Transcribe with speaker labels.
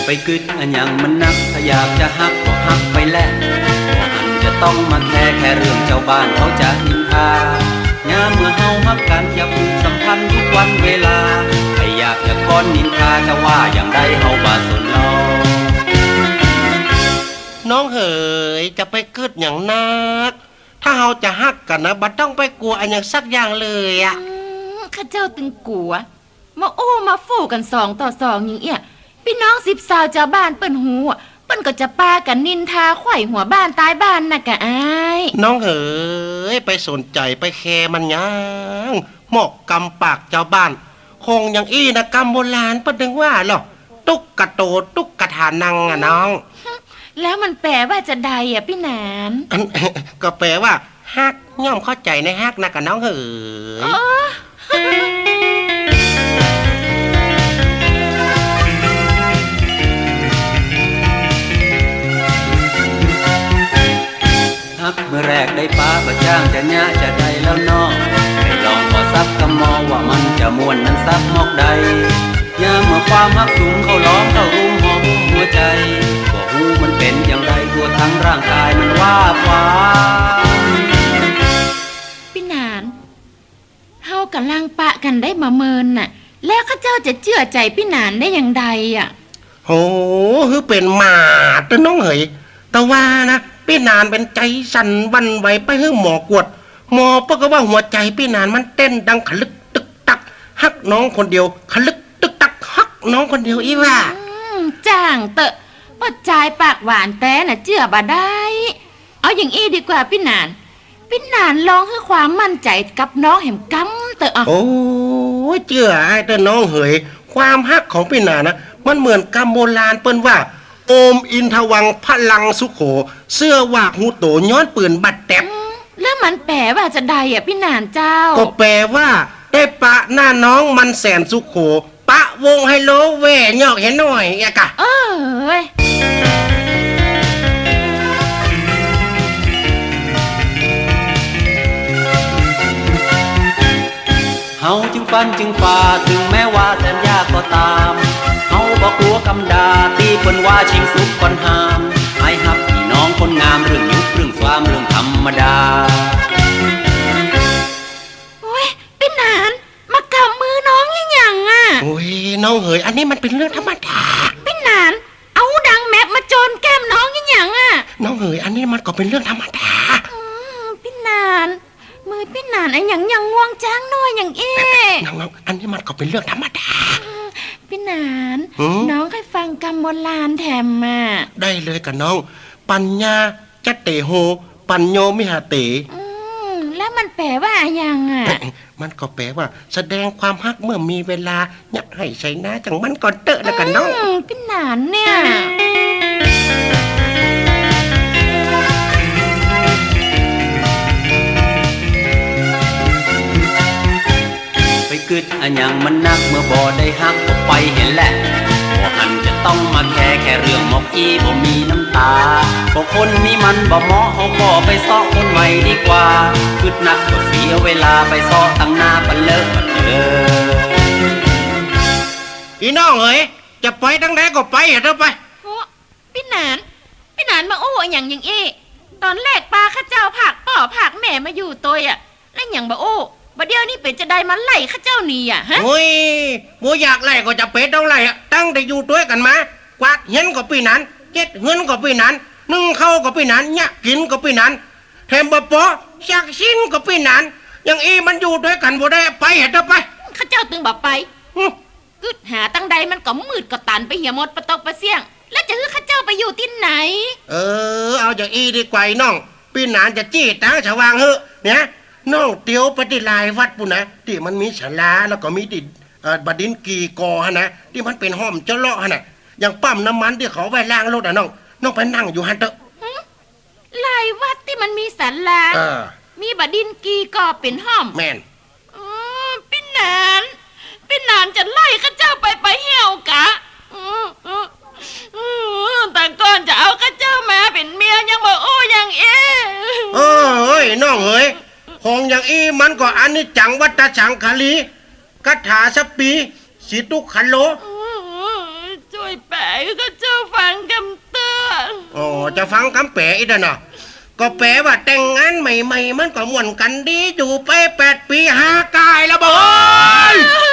Speaker 1: ไปกึดอันยังมันนักถ้าอยากจะฮักก็ฮักไปแหละบ่หันจะต้องมาแค่เรื่องเจ้าบ้านเขาจะนินทายามเมื่อเฮาฮักกันอย่าผูกสัมพันธ์ทุกวันเวลาใครอยากจะค้อนนินทาจะว่าอย่างใดเฮาบ่สนน้
Speaker 2: องเหยจะไปกึดอย่างนักถ้าเฮาจะฮักกันนะบัดต้องไปกลัวอันอย่างสักอย่างเลยอ่ะ
Speaker 3: ข้าเจ้าตึงกลัวมาโอ้มาฟู่กัน2-2อย่างเอี้ยพี่น้อง10 สาวชาวบ้านเปิ้นหูเปิ้นก็จะปากันนินทาไขว่หัวบ้านตายบ้านน่ะกะอ้าย
Speaker 2: น้องเหยไปสนใจไปแคร์มันยังหมอกกำปากชาวบ้านคงอย่างอี้นะกำโบราณเปิ้นถึงว่าหรอตุ๊กกะโตตุ๊กกะทานังอ่ะน้อง
Speaker 3: แล้วมันแปลว่าจะใดอ่ะพี่นาน
Speaker 2: ก็แปลว่าฮักย่อมเข้าใจในฮักนะกับน้องเหย
Speaker 1: ฮักเมื่อแรกได้ป้าก็จ้างจะญะจะได้แล้วนอให้ลองพอซับกำมอว่ามันจะม่วนนั้นซับมอกใดยามเมื่อความฮักสูงเขาล้อมเข้ารุมหอมหัวใจก็หูมันเป็นอย่างไรทั่วทั้งร่างกายมันว่าฟ้า
Speaker 3: พี่นานเฮากำลังปะกันได้มาเมินน่ะแล้วข้าเจ้าจะเชื่อใจพี่นานได้อย่างใดอ่ะ
Speaker 2: โหคือเป็นหมาตะน้องเหยแต่ว่านะพี่นานเป็นใจสั่นวันไหวไปให้หมอกวดหมอปก็ว่าหัวใจพี่นานมันเต้นดังขลึกตึกตักฮักน้องคนเดียวขลึกตึกตักฮักน้องคนเดียวอีว่า
Speaker 3: จ้างเตอะปดใจปากหวานแต่น่ะเชื่อบ่ได้เอาอย่างอี้ดีกว่าพี่นานลองให้ความมั่นใจกับน้องแหมกำเตอะ
Speaker 2: โอ้เชื่อไอ้แต่น้องเหยความฮักของพี่นานนะมันเหมือนกำโบราณเปิ้นว่าโอมอินทวังพลังสุโขเสื้อวากหูโตย้อนปืนบัดแตบ
Speaker 3: แล้วมันแปลว่าจะใดอ่ะพี่นานเจ้า
Speaker 2: ก็แปลว่าได้ปะหน้าน้องมันแสนสุโขปะวงไฮโลแหวนยอกเห็นหน่อยอะกะ
Speaker 1: เฮาจึงฟันจึงฝ่าถึงแม้ว่าแสนยากก็ตามเฮาบ่กลัวกำดาตีเพิ่นว่าชิงสุกก่อนหามให้ฮับพี่น้องคนงามเรื่องยุคเรื่องความเรื่องธรรมดา
Speaker 3: โอ้ยพี่นานมากำมือน้องอย่างอ่ะ
Speaker 2: โอ้ยน้องเหยอันนี้มันเป็นเรื่องธรรมดา
Speaker 3: พี่นานเอาดังแมปมาโจนแก้มน้องอย่างอ่ะ
Speaker 2: น้องเหยอันนี้มันก็เป็นเรื่องธรรมดา
Speaker 3: พี่นานมือพี่นานไอ้อย่างง่วงจ้างน้อยอย่าง
Speaker 2: น้องอันนี้มันก็เป็นเรื่องธรรมดา
Speaker 3: พี่นานน้องเคยฟังกำโบราณแถมมา
Speaker 2: ได้เลยกับน้องปัญญาจะเตโหปัญโยมิหาเต
Speaker 3: แล้วมันแปลว่าอย่างอ่ะ
Speaker 2: มันก็แปลว่าแสดงความฮักเมื่อมีเวลาอยากให้ใช้นะจังมันก่อนเตอะแล้วกันน้อง
Speaker 3: พี่นานเนี่ย
Speaker 1: ไปกึดอันยังมันนักเมื่อบ่ได้ฮักก็ไปเห็นแหละบ่หันจะต้องมาแค่เรื่องมอกอีบ่มีน้ำตาบ่คนนี้มันบ่เหมาะเฮาก็ไปซ้อคนใหม่ดีกว่ากึดนักก็เสียเวลาไปซ้อตั้งหน้าปันเลิกปัน
Speaker 2: อีน้องเอ๋ยจะไปตั้งไหนก็ไปเถอะไป
Speaker 3: พี่นานมาโอ้อย่างอี้ตอนแรกป้าข้าเจ้าผักป่อผักแม่มาอยู่ตัวอ่ะแล้วอย่างบ่โอ้บัดเดี๋ยวนี้เป็ดจะได้มาไล่ข้าเจ้านี่อ่ะฮะ
Speaker 2: โอ้ยบัวอยากไล่ก็จะเป็ดต้องไล่ตั้งแต่อยู่ตัวกันมากวาดเงินก็ปีนั้นเก็ดเงินก็ปีนั้นนึ่งข้าวก็ปีนั้นเนี่ยกินก็ปีนั้นแถมบ่ปอชักชิ้นก็ปีนั้นอย่างอีมันอยู่ด้วยกันบ่ได้ไปเถอะไป
Speaker 3: ข้าเจ้าตึงบอกไปกึดหาตั้งใดมันก็มืดก็ตันไปเหี่ยหมดประตกประเสี่ยงแล้วจะคือข้าเจ้าไปอยู่ที่ไหน
Speaker 2: เอาอย่างอีดีกว่าน้องปีนั้นจะจี้ตาฉวางเฮ้เนี่ยน้องเตียวไปที่ลายวัดปุ่นนะที่มันมีศาลาแล้วก็มีที่บดินกีกอฮะนะที่มันเป็นห้อมเจาะเลาะฮะนะอย่างปั๊มน้ำมันที่เขาไว้ล้างรถน้องไปนั่งอยู่ฮันเตอะ
Speaker 3: ลายวัดที่มันมีศาลามีบดินกีกอเป็นห้อม
Speaker 2: แม่น
Speaker 3: พี่นานจะไล่ข้าเจ้าไปเหี่ยวกะแต่ก่อนจะเอาข้าเจ้ามาเป็นเมียยังบอกโอ้ยัง
Speaker 2: เอ้ยน้องเอ๋ยของอย่างอีมันก็อันนี้จังวัตสังคลีคาถาสปีสิตุขันโล
Speaker 3: ช่วยแปลข้าเจ้าฟังคำเตือน
Speaker 2: อ๋อจะฟังคำแปลอีกแล้วเนาะก็แปลว่าแต่งงานใหม่ๆมันก็ม่วนกันดีอยู่ไป8 ปี5 กายแล้วบ่เฮ้ย